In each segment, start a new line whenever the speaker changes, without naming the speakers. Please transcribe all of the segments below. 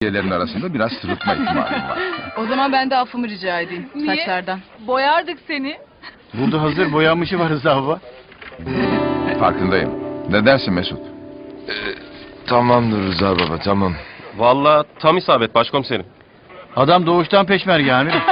üyelerin arasında biraz sırıtma ihtimalim var.
O zaman ben de affımı rica edeyim saçlardan.
Boyardık seni.
Burada hazır boyanmışı var Rıza baba.
Farkındayım. Ne dersin Mesut?
Tamamdır Rıza baba, tamam.
Vallahi tam isabet başkomiserim.
Adam doğuştan peşmerge amirim.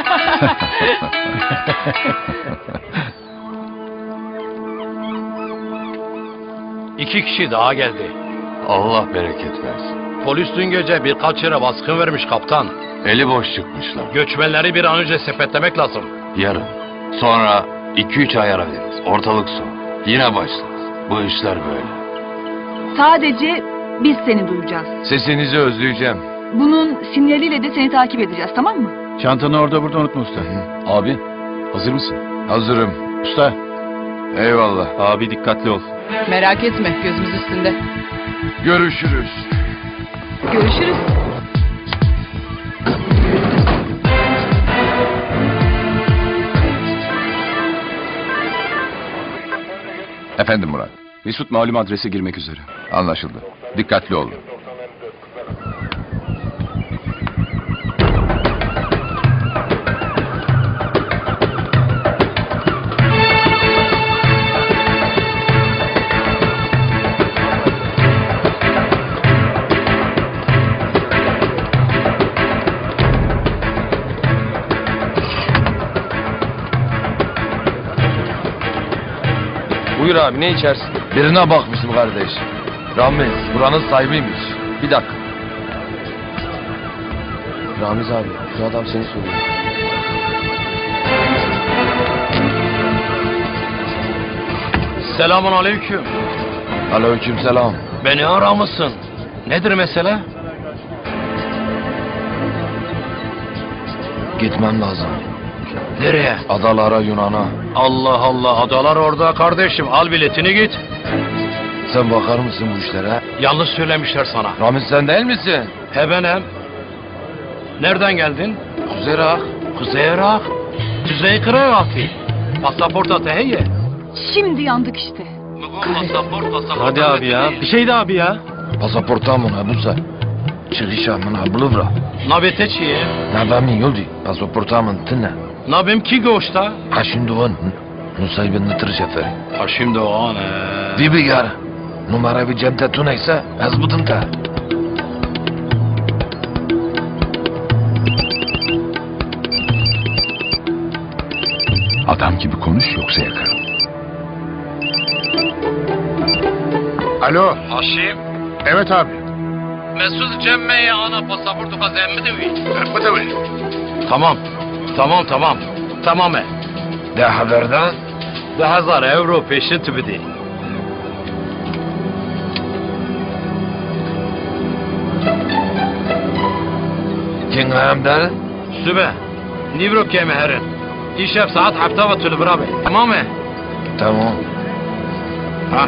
İki kişi daha geldi.
Allah bereket versin.
Polis dün gece birkaç yere baskın vermiş kaptan.
Eli boş çıkmışlar.
Göçmenleri bir an önce sepetlemek lazım.
Yarın. Sonra 2-3 ay ara veririz. Ortalık soğuk. Yine başlarız. Bu işler böyle.
Sadece biz seni duyacağız.
Sesinizi özleyeceğim.
Bunun sinyaliyle de seni takip edeceğiz, tamam mı?
Çantanı orada burada unutma usta.
Abi, hazır mısın? Hazırım.
Usta.
Eyvallah.
Abi dikkatli ol.
Merak etme, gözümüz üstünde.
Görüşürüz.
Görüşürüz.
Efendim Murat.
Mesut malum adrese girmek üzere.
Anlaşıldı. Dikkatli olun.
Buyur abi, ne içersin?
Birine bakmışım kardeş. Ramiz, buranın sahibiymiş. Bir dakika. Ramiz abi, şu adam seni soruyor.
Selamun aleyküm.
Aleykümselam.
Beni aramışsın. Nedir mesele?
Gitmem lazım.
Nereye?
Adalara, Yunan'a.
Allah Allah, adalar orada kardeşim. Al biletini git.
Sen bakar mısın bu işlere?
Yanlış söylemişler sana.
Ramiz sen değil misin?
He benim. Nereden geldin?
Kuzey Irak.
Kuzey Irak. Kuzey Irak'ı. Pasaport atehiyye.
Şimdi yandık işte.
Pasaport.
Hadi abi ya. Bir şey de abi ya.
Pasaportamın ha busa. Çıkışamın ha buluvra.
Nabete çiye.
Nabami yoldi. Pasaportamın tına.
Nabim ki goşta.
Ha şimdi o Nusaybin nıtır şeferi.
Ha şimdi o an.
Bibi gar. Numara bir cemte tunaysa az budun ta.
Adam gibi konuş yoksa yakarım.
Alo.
Haşim.
Evet abi.
Mesut Cemme'ye ana pasaportu kazandı mı? Tamam. Tamam.
De haberden.
De hazar euro peşin tübidi.
King Hamder.
Sübe. Nivro keme herin. İşef saat hafta ve tülü birabe. Tamam mı?
Tamam.
Ha.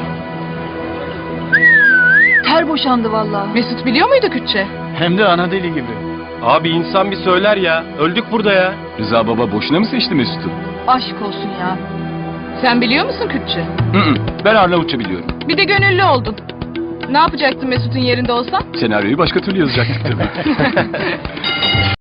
Ter boşandı vallahi.
Mesut biliyor muydu Kürtçe?
Hem de ana deli gibi.
Abi insan bir söyler ya. Öldük burada ya.
Rıza baba boşuna mı seçti Mesut'u?
Aşk olsun ya.
Sen biliyor musun Kürtçe?
Ben Arnavutça biliyorum.
Bir de gönüllü oldun. Ne yapacaktın Mesut'un yerinde olsan?
Senaryoyu başka türlü yazacaktık tabii.